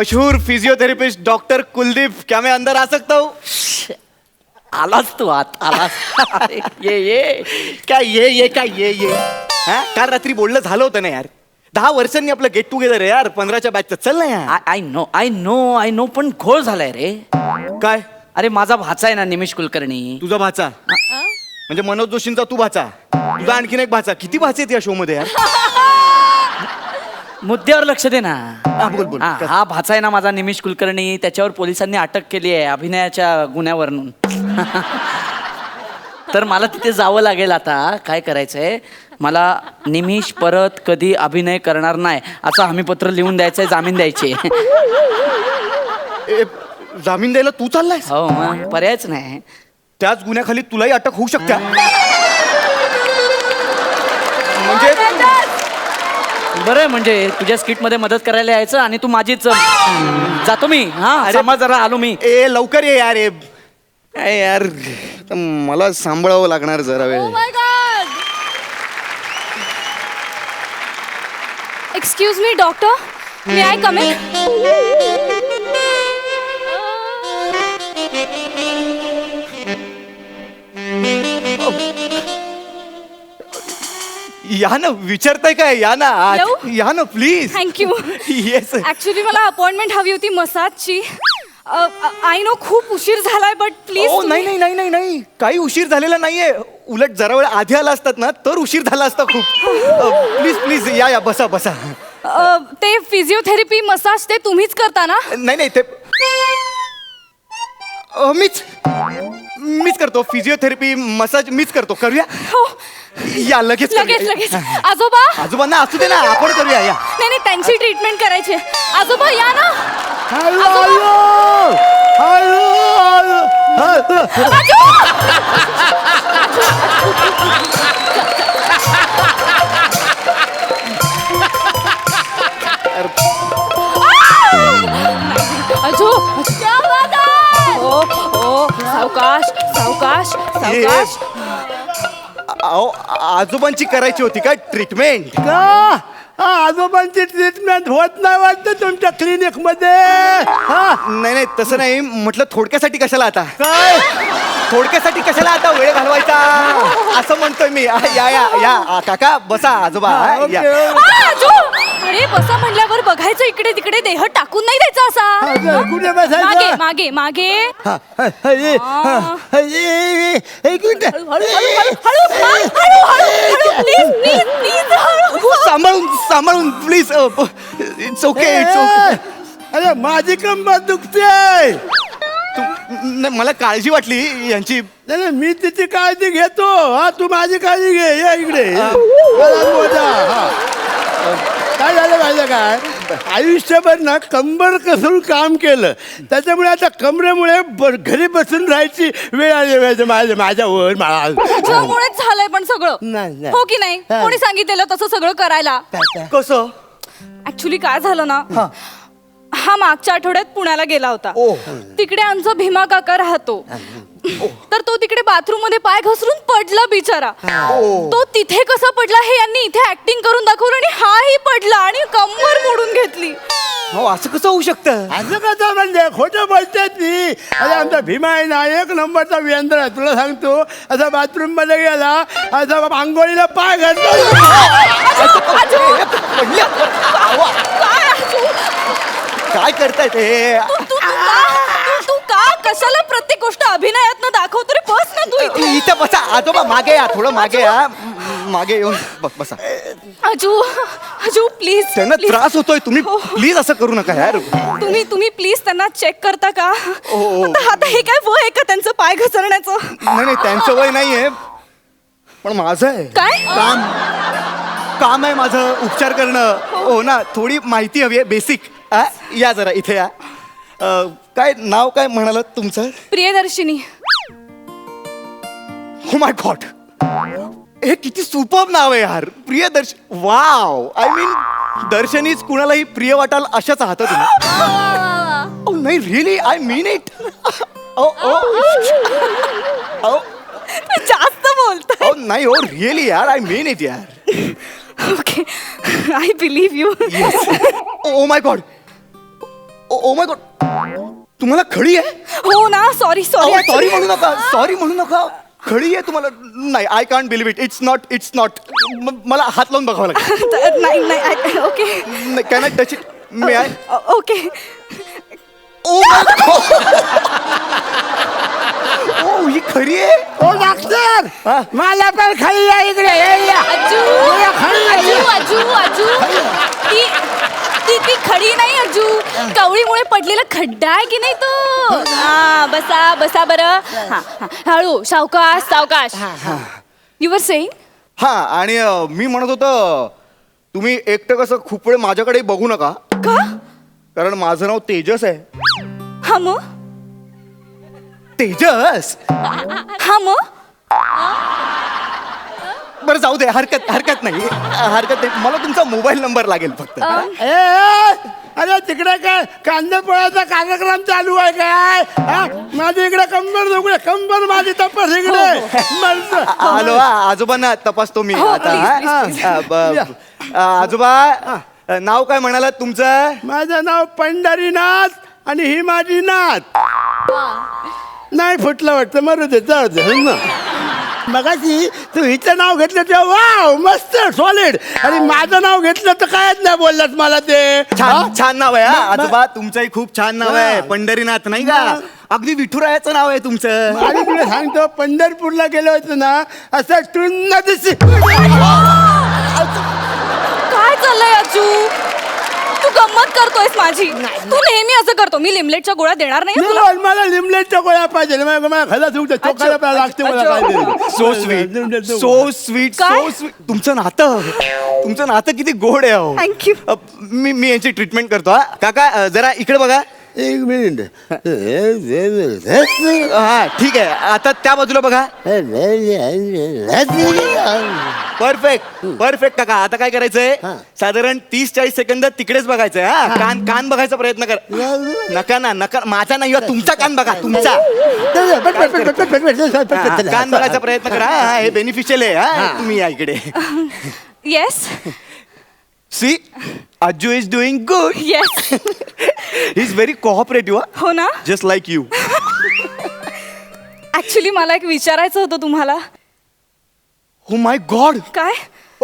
मशहूर physiotherapist doctor Kuldeep, क्या मैं अंदर आ सकता हूँ? आलास तू आत आलास. अरे, ये काय ये हा? काल रात्री बोलणं झालं होतं ना यार. 10 वर्षांनी आपलं गेट टुगेदर आहे यार, 15च्या बॅचचं. चल ना यार. आय नो पण घोळ झालाय रे. काय? अरे माझा भाचा आहे ना निमिष कुलकर्णी. तुझा भाचा म्हणजे मनोज जोशींचा तू भाचा, तुझा आणखीन एक भाचा. किती भाचे आहेत या शो मध्ये यार? मुद्द्यावर लक्ष दे ना. बोल. हा भाचा आहे ना माझा निमिष कुलकर्णी. त्याच्यावर पोलिसांनी अटक केली आहे अभिनयाच्या गुन्ह्यावरून. तर मला तिथे जावं लागेल आता. काय करायचंय मला, निमिष परत कधी अभिनय करणार नाही असं हमीपत्र लिहून द्यायचंय, जामीन द्यायचे. जामीन द्यायला तू चाललायस? हो मग पर्यायच नाही. त्याच गुन्ह्याखाली तुलाही अटक होऊ शकते. म्हणजे बरं म्हणजे तुझ्या स्किट मध्ये मदत करायला यायचं आणि तू माझीच. जातो मी. हा समाज जरा आलो मी. लवकर ये यार. काय यार, मला सांभाळावं लागणार जरा वेळ. Excuse me doctor, may I come in? या ना, विचारताय काय? या ना आत. येऊ? या ना प्लीज. थँक्यू. येस. ऍक्च्युली मला अपॉइंटमेंट हवी होती मसाजची. आय नो खूप उशीर झालाय बट प्लीज. नाही काही उशीर झालेला नाहीये. उलट जरा वेळ आधी आला असतात ना तर उशीर झाला असता खूप. प्लीज या बसा. ते फिजिओथेरपी मसाज ते तुम्हीच करता ना? नाही ते मीच करतो. फिजिओथेरपी मसाज मीच करतो. करूया? हो. या लगेच. आजोबांना असू दे ना, आपण करूया. या. नाही त्यांची ट्रीटमेंट करायची. आजोबा या ना. क्या बात आहे? ओ सावकाश. आजोबांची करायची होती का ट्रीटमेंट? का आजोबांची ट्रीटमेंट होत नाही वाटतं तुमच्या क्लिनिक मध्ये? नाही तसं नाही म्हटलं. थोडक्यासाठी कशाला आता? काय थोडक्यासाठी कशाला आता वेळ घालवायचा असं म्हणतोय मी. या काका बसा. आजोबा या. अरे बसा म्हणल्यावर बघायचं इकडे तिकडे, देह टाकून नाही द्यायचा असा. कुठे बसायचं? मागे. एक मिनिट. सांभाळून प्लीज. It's okay. अरे माझी कंबर दुखते. मला काळजी वाटली यांची. नाही मी तिची काळजी घेतो. तू माझी काळजी घे. ये इकडे. काय झालं माहिती काय, आयुष्यभर ना कंबर कसून काम केलं, त्याच्यामुळे आता कमरेमुळे घरी बसून राहायची वेळ आली माझ्यावर. तुझ्यामुळेच झालंय पण सगळं. नाही. हो की नाही? कोणी सांगितलेलं तसं सगळं करायला? कसं? ऍक्च्युली काय झालं ना, हा मागच्या आठवड्यात पुण्याला गेला होता. तिकडे आमचा भीमा काका राहतो. तर तो तिकडे बाथरूम मध्ये पाय घसरून पडला बिचारा. तो तिथे कसा पडला हे यांनी इथे ऍक्टिंग करून दाखवलं आणि हाही पडला आणि कंबर मोडून घेतली. हो असं कसं होऊ शकतं? असं कसं म्हणजे खोटं बोलतात ती. अरे आमचा भीमा आहे ना एक नंबरचा व्यंद्र आहे. तुला सांगतो, असा बाथरूम मध्ये गेला, असा आंघोळीला पाय घातला. काय करताय ते? तू का कशाला प्रत्येक गोष्ट अभिनयात दाखवतो रे? बस ना तू इथे बसा. आजोबा मागे या, थोडं मागे या. मागे येऊन बसा. अजू प्लीज. त्यांना त्रास होतोय. तुम्ही प्लीज असं करू नका यार. तुम्ही प्लीज त्यांना चेक करता का? आता हे काय वय आहे का त्यांचं पाय घसरण्याचं? नाही त्यांचं वय नाहीये, पण माझं आहे. काय काम आहे माझं, उपचार करणं. हो ना, थोडी माहिती हवी आहे बेसिक. या जरा इथे या. काय नाव काय म्हणालात तुमचं? प्रियदर्शिनी. हो माय गॉड, हे किती सुपर्ब नाव आहे यार. प्रियदर्शनी. वाव. आय मीन दर्शनीच कुणालाही प्रिय वाटाल अशाच आहात तुम्ही. नाही रिअली, आय मीन इट. जास्त बोलतोय. नाही हो रिअली यार, आय मीन इट यार. Okay, I believe you. Oh my god. Oh my god, तुम्हाला खळी आहे? हो ना, सॉरी सॉरी सॉरी म्हणू नका, सॉरी म्हणू नका. खळी आहे तुम्हाला? नाही, I can't believe it. It's not. मला हात लावून बघावं लागेल. नाही नाही okay can I touch it? May I? Okay. Oh ही खरी आहे? ओ डॉक्टर, मला पण खाली या इकडे. ये या. अजू ये खाली या, ये. अजू अजू अजू ती ती ती खडी नाही अजू, कवळीमुळे पडलेला खड्डा आहे की नाही तो. हा बसा बसा बरं. हा हा, हळू, सावकाश सावकाश. You were saying? हा, आणि मी म्हणत होतो, तुम्ही एकटं कसं खूप वेळ माझ्याकडे बघू नका, का? कारण माझं नाव तेजस आहे. हा मग? तेजस? हा मग? बरं जाऊ दे, हरकत नाही. मला तुमचा मोबाईल नंबर लागेल फक्त. ए, अरे तिकडे काय कांदा पोळ्याचा कार्यक्रम चालू आहे काय? हा? माझी इकडे कंबर माझी तपास इकडे. मरतो. हॅलो, आजोबांना तपासतो मी हो, आता. please, हा? please, आजोबा, नाव काय म्हणालात तुमचं? माझं नाव पंढरीनाथ आणि ही माझी नाथ. नाही फुटलं वाटतं, मरू दे, जाऊ दे. हो ना. मगाशी तू हिचं नाव घेतलं तेव्हा वाव मस्त सॉलिड, आणि माझं नाव घेतलं तर कायच नाही बोललात मला ते. छान नाव आहे. हा आजोबा, तुमचंही खूप छान नाव आहे, पंढरीनाथ, नाही का? अगदी विठुरायाचं नाव आहे तुमचं. आणि तुला सांगतो, पंढरपूरला गेलो होतो ना, असं टुन्न दिसी. काय चाललंय अजू? तू गंमत करतोयस माझी. तू नेहमी असं करतो. मी लिमलेटच्या गोळ्या देणार नाही तुला. मला लिमलेटच्या गोळ्या पाहिजे. मला खला सुटतं, चोखायला लागते मला काहीतरी. So sweet. काय? तुमचं नातं किती गोड आहे अहो. थँक्यू. मी यांची ट्रीटमेंट करतो. हा काका, जरा इकडे बघा. एक मिनिट. हा ठीक आहे, आता त्या बाजूला बघा. परफेक्ट काका. आता काय करायचंय, साधारण 30-40 सेकंद तिकडेच बघायचंय. हा, कान बघायचा प्रयत्न कर. नका माझा नाही, तुमचा कान बघा, तुमचा कान बघायचा प्रयत्न करा. हा, हे बेनिफिशियल आहे. हा, तुम्ही या इकडे. Yes see, Ajju is doing good. Yes. He is very cooperative. हो ना. Just like you. ऍक्च्युली मला एक विचारायचं होतं तुम्हाला. हो माय गॉड. काय?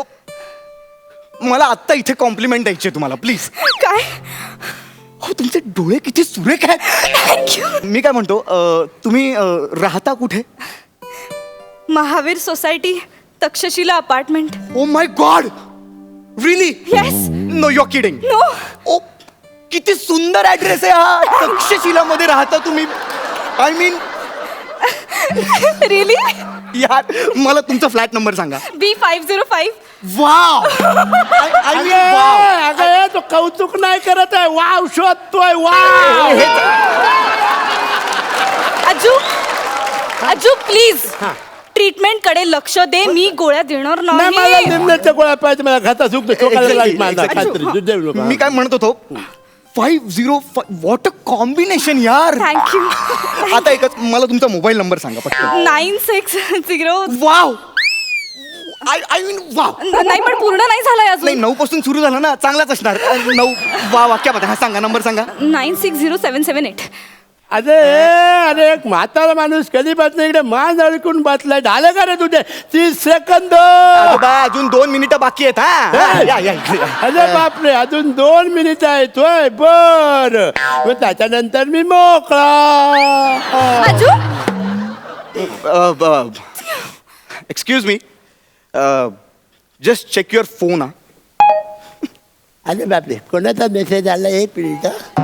मला आत्ता इथे कॉम्प्लिमेंट द्यायची तुम्हाला, प्लीज. काय? हो, तुमचे डोळे किती सुरेख आहेत. थँक्यू. मी काय म्हणतो, तुम्ही राहता कुठे? Mahavir society, Takshashila apartment. Oh my god, really? Yes. No, you are kidding. No. Oh, किती सुंदर ऍड्रेस आहे हा. तक्षशिलामध्ये राहता तुम्ही? I mean, really? यार, मला तुमचा फ्लॅट नंबर सांगा. B505. Wow. I mean wow. अगं तो कौतुक नाही करत आहे, वाव शोधतोय. वाव. अजू प्लीज ट्रीटमेंट कडे लक्ष दे. मी गोळ्या देणार नाही, मला नाही. निम्म्याच्या गोळ्या पाहिजे. मला खाता सुकतो, चोखायला लागेल माझा काहीतरी. दूध देऊ नका. मी काय म्हणत होतो, 505. व्हॉट अ कॉम्बिनेशन यार. थँक्यू. आता एकच, मला तुमचा मोबाईल नंबर सांगा पटकन. 960. वाव. I mean wow. नाही पण पूर्ण नाही झालाय नाही, अजून. 9 पासून सुरू झालं ना, चांगलाच असणार. 9. वा वाक्यामध्ये. हा सांगा, नंबर सांगा. 960778. अरे एक म्हातारा माणूस कधीपासून इकडे मान अडकून बसलाय. झालं का रे तुझे 30 सेकंद? आजोबा, अजून 2 मिनिटं बाकी आहेत. हा, या इकडे या. अरे बापरे, अजून 2 मिनिट आहेत. होय, बर. मग त्याच्यानंतर मी मोकळा. Aju excuse me, just check your phone. अरे बापरे, कोणाचा मेसेज आला? एक मिनिट.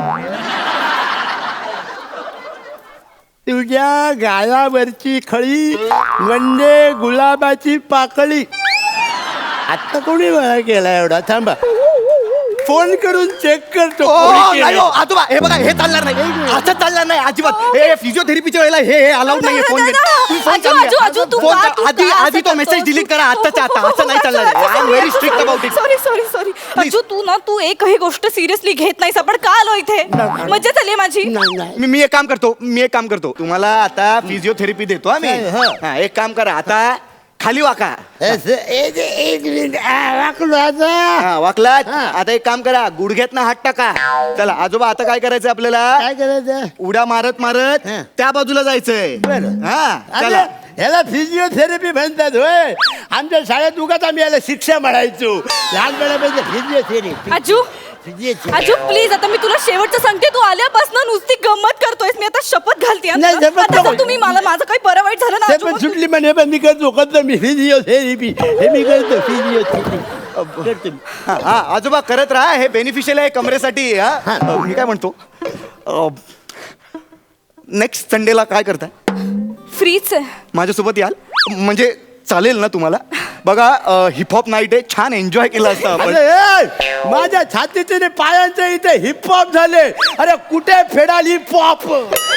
तुझ्या गालावरची खळी म्हणजे गुलाबाची पाकळी. आता कोणी मला केला एवढा? थांबा, फोन करून चेक करतो. नाही हो, आजोबा, हे बघा, हे चालणार नाही. असं चालणार नाही अजिबात. हे फिजिओथेरपीच्या वेळेला हे अलाउड नाहीये. फोन अजू, तू का- तू आधी का आधी असं तो मेसेज करतोस? डिलीट करा आत्ताच्या आता. असं नाही चालणार. I am very strict about it. Sorry Aju, तू एकही गोष्ट सिरियसली घेत नाहीस. आपण का आलो इथे? मज्जा झाली माझी. मी एक काम करतो. तुम्हाला आता फिजिओथेरपी देतो. आम्ही एक काम करा, आता खाली वाका. एक मिनिट वाकलो आता. हा वाकलात. हा. आता एक काम करा, गुडघ्यात हात टाका. चला आजोबा, आता काय करायचंय आपल्याला? काय करायचं? उड्या मारत मारत हा. त्या बाजूला जायचंय. बरं. हा अरे, चला. ह्याला फिजिओथेरपी म्हणतात होय. आमच्या शाळेत उगाच आम्ही याला शिक्षा म्हणायचो लहानपणापासून. फिजिओथेरपी आजू फिजिओथेरपी. आजू प्लीज, आता मी तुला शेवटचं सांगते, तू आल्यापासून नुसती गंमत करतोयस. मी आता शपथ घालते. नाही, शपथ नको. तुम्ही मला माझं काही बरं वाईट झालं ना ते आजू, पण मग- सुटली म्हणे, पण मी करतो मी फिजिओथेरपी. हे मी करतो फिजिओथेरपी करतो मी. हा हा, आजोबा करत राहा, हे बेनिफिशियल आहे कमरेसाठी. हा मी काय म्हणतो, नेक्स्ट संडेला काय करताय? फ्रीच आहे. माझ्यासोबत याल? म्हणजे चालेल ना तुम्हाला? बघा हिपहॉप नाईट आहे, छान एन्जॉय केला असता आपण. अरे ए, माझ्या छातीचे आणि पायांचे इथे हिपहॉप झाले. अरे कुठे फेडाल हिपहॉप?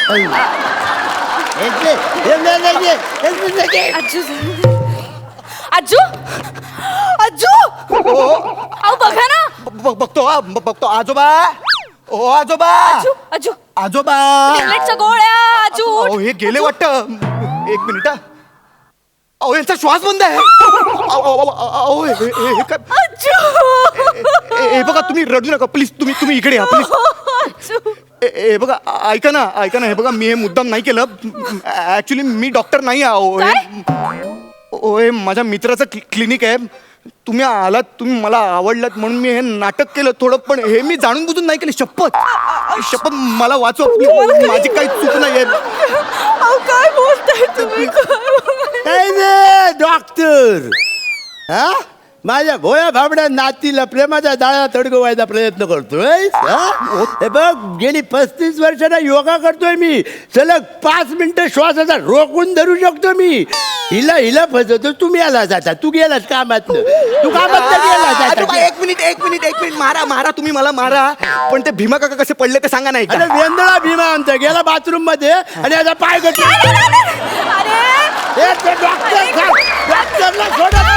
आजू आजू आजू अहो बघा ना. बघतो हा, बघतो. आजोबा, ओ आजोबा, आजू आजू आजोबा. टॅब्लेटच्या गोळ्या. आजू अहो हे गेले वाटतं. एक मिनिट. अहो यांचा श्वास बंद आहे. अहो हे काय? आजू हे बघा, तुम्ही रडू नका प्लीज. तुम्ही इकडे या प्लीज. आजू हे बघा, ऐका ना. हे बघा, मी हे मुद्दाम नाही केलं. ऍक्च्युली मी डॉक्टर नाही आहे. हे माझ्या मित्राचं क्लिनिक आहे. तुम्ही आलात, तुम्ही मला आवडलात म्हणून मी हे नाटक केलं थोडं, पण हे मी जाणून बुजून नाही केलं. शपथ मला वाचव. माझी काही चूक नाही आहे. अहो काय बोलताय तुम्ही? डॉक्टर हा माझ्या भोया भाबड्या नातीला प्रेमाच्या जाळ्यात अडकवायचा प्रयत्न करतोय. हे बघ, गेली 35 वर्षांना योगा करतोय मी. सलग 5 मिनिटं श्वासाचा रोखून धरू शकतो मी. हिला फसवतो. तुम्ही आला जाता. तू गेलास कामात गेला जाता. एक मिनिट मारा तुम्ही मला मारा, पण ते भीमा काका कसे पडले ते सांगा. नाही अरे वेंदळा भीमा आमचा गेला बाथरूम मध्ये आणि आता पाय अरे डॉक्टरला सोडत